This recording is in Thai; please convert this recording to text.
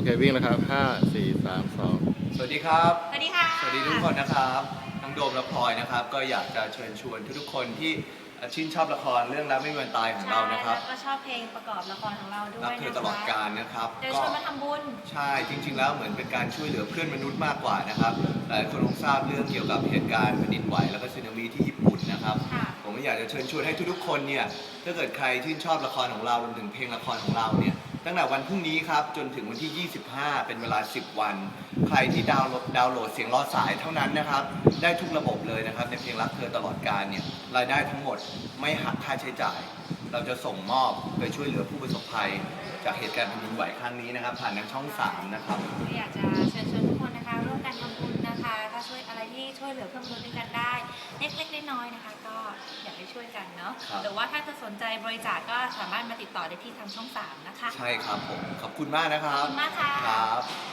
วิ่งนะครับ5 4 3 2 สวัสดีครับสวัสดีค่ะสวัสดีทุกคนนะครับน้องโดมและพลอยนะครับก็อยากจะเชิญชวนทุกๆคนที่ชื่นชอบละครเรื่องรักไม่มีวันตายของเรานะครับแล้วก็ชอบเพลงประกอบละครของเราด้วยรักนะคะเธอตลอดกาลนะครับเดี๋ยวชวนมาทำบุญใช่จริงๆแล้วเหมือนเป็นการช่วยเหลือเพื่อนมนุษย์มากกว่านะครับหลายคนคงทราบเรื่องเกี่ยวกับเหตุการณ์แผ่นดินไหวแล้วก็สึนามิที่ญี่ปุ่นนะครับค่ะผมก็อยากจะเชิญชวนให้ทุกๆคนเนี่ยถ้าเกิดใครชื่นชอบละครของเรารวมถึงเพลงละครของเราเนี่ยตั้งแต่วันพรุ่งนี้ครับจนถึงวันที่ 25 เป็นเวลา 10 วัน ใครที่ดาวน์โหลดเสียงรอสายเท่านั้นนะครับได้ทุกระบบเลยนะครับในเพลงรักเธอตลอดกาลเนี่ยรายได้ทั้งหมดไม่หักค่าใช้จ่าย เราจะส่งมอบไปช่วยเหลือผู้ประสบภัยจากเหตุการณ์แผ่นดินไหวครั้งนี้นะครับผ่านทางช่อง 3 นะครับก็อยากจะเชิญชวนทุกคนนะคะร่วมกันทำบุญนะคะถ้าช่วยอะไรที่ช่วยเหลือเพื่อนมนุษย์ด้วยกันได้เล็กๆน้อยๆนะคะ ก็อยากให้ช่วยกันเนาะครับหรือว่าถ้าจะสนใจบริจาคก็สามารถมาติดต่อได้ที่ทางช่อง 3 นะคะใช่ครับผมขอบคุณมากนะครัขอบบ คุณมากค่ะครับ